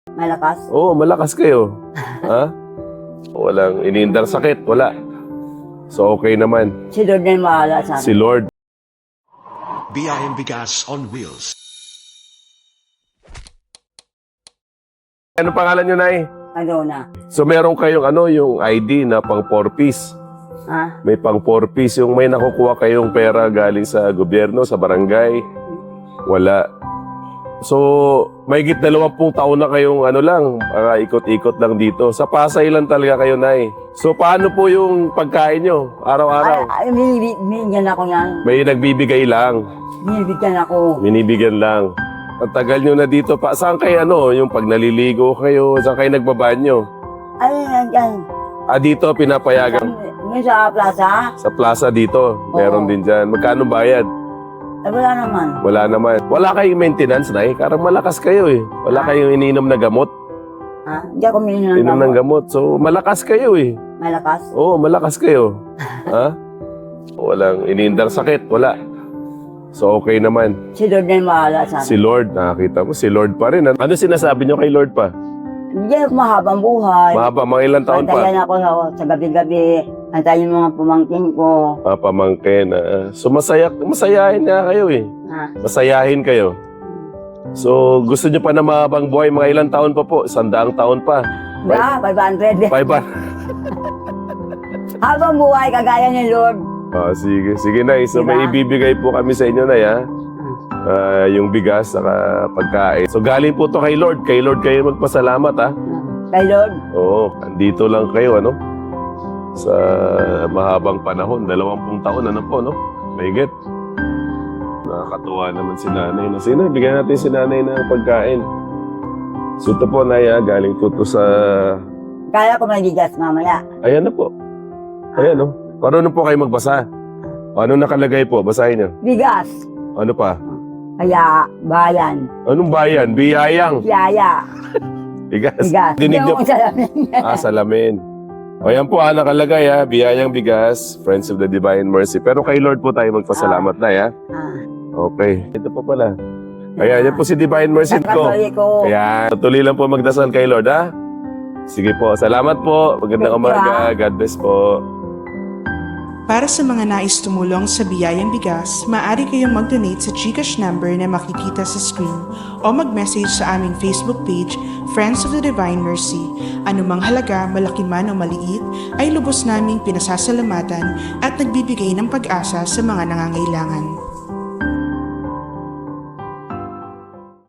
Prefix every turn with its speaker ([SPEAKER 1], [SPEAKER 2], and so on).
[SPEAKER 1] Malakas?
[SPEAKER 2] Oo, malakas kayo. Ha? Walang iniindang sakit, wala. So okay naman.
[SPEAKER 1] Si Lord na yung mahala sa amin.
[SPEAKER 2] Si Lord.
[SPEAKER 3] BIM Bigas on Wheels.
[SPEAKER 2] Ano pangalan nyo, Nay?
[SPEAKER 1] Ano na?
[SPEAKER 2] So meron kayong yung ID na pang 4-piece.
[SPEAKER 1] Ha?
[SPEAKER 2] May pang 4-piece. Yung may nakukuha kayong pera galing sa gobyerno, sa barangay. Wala. So, may 20 taon na kayong ikot-ikot lang dito. Sa Pasay lang talaga kayo, Nay. So, paano po yung pagkain nyo? Araw-araw?
[SPEAKER 1] Ay, binibigyan ako yan.
[SPEAKER 2] May nagbibigay lang.
[SPEAKER 1] Binibigyan ako.
[SPEAKER 2] Binibigyan lang. Ang tagal nyo na dito pa. Saan kayo yung pag naliligo kayo? Saan kayo nagbabanyo?
[SPEAKER 1] Ay, yan.
[SPEAKER 2] Dito, pinapayagan.
[SPEAKER 1] Ngayon sa plaza?
[SPEAKER 2] Sa plaza dito. Meron din dyan. Magkano bayad?
[SPEAKER 1] Ay, wala naman.
[SPEAKER 2] Wala naman. Wala kayong maintenance, Nay. Karang malakas kayo eh. Wala kayong ininom na gamot.
[SPEAKER 1] Ha? Hindi ako minum ng
[SPEAKER 2] Inom ng gamot. So, malakas kayo eh.
[SPEAKER 1] Malakas?
[SPEAKER 2] Oo, malakas kayo. Ha? Walang iniindang sakit. Wala. So, okay naman.
[SPEAKER 1] Si Lord na yung mahala sa amin.
[SPEAKER 2] Si Lord, nakakita mo, si Lord pa rin. Ano sinasabi nyo kay Lord pa?
[SPEAKER 1] Hindi ako mahabang buhay.
[SPEAKER 2] Mahaba, mga ilang taon pa?
[SPEAKER 1] Antayan ako sa gabi-gabi. Antayin yung mga pumangkin ko.
[SPEAKER 2] Pamangkin. So, masayahin nga kayo eh.
[SPEAKER 1] Ha?
[SPEAKER 2] Masayahin kayo. So, gusto nyo pa na mahabang buhay, mga ilang taon pa po? 100 taon pa.
[SPEAKER 1] Ba, 500.
[SPEAKER 2] 500.
[SPEAKER 1] Habang buhay, kagaya ni Lord.
[SPEAKER 2] Sige. Sige, Nay. So,
[SPEAKER 1] Diba?
[SPEAKER 2] may ibibigay po kami sa inyo, Nay, ha? Yung bigas, saka pagkain. So, galing po to kay Lord. Kay Lord kayo magpasalamat, ha?
[SPEAKER 1] Kay Lord.
[SPEAKER 2] Oo, andito lang kayo, sa mahabang panahon. 20 taon, no? Mahigit. Nakakatuwa naman si Nanay. Sino, bigyan natin si Nanay ng pagkain. So, ito po, Nay, galing po to sa...
[SPEAKER 1] Kaya ko magigas mamaya.
[SPEAKER 2] Ayan na po. Ayan, no? Marunong po kayo magbasa. Ano nakalagay po? Basahin niyo.
[SPEAKER 1] Bigas.
[SPEAKER 2] Ano pa?
[SPEAKER 1] Kaya, bayan.
[SPEAKER 2] Anong bayan? Biyayang.
[SPEAKER 1] Yaya.
[SPEAKER 2] Bigas.
[SPEAKER 1] Bigas.
[SPEAKER 2] Dinig niyo.
[SPEAKER 1] Yung salamin.
[SPEAKER 2] Salamin. O yan po, nakalagay, biyayang bigas, Friends of the Divine Mercy. Pero kay Lord po tayo magpasalamat na, ha? Okay. Ito po pala. Ayan, yan po si Divine Mercy ko.
[SPEAKER 1] Nakatuloy ko.
[SPEAKER 2] Ayan, tuloy lang po magdasal kay Lord, ha? Sige po, salamat po. Magandang
[SPEAKER 1] Thank you,
[SPEAKER 2] umaga. God bless po.
[SPEAKER 4] Para sa mga nais tumulong sa Biyayang Bigas, maaari kayong mag-donate sa GCash number na makikita sa screen o mag-message sa aming Facebook page, Friends of the Divine Mercy. Anumang halaga, malaki man o maliit, ay lubos naming pinasasalamatan at nagbibigay ng pag-asa sa mga nangangailangan.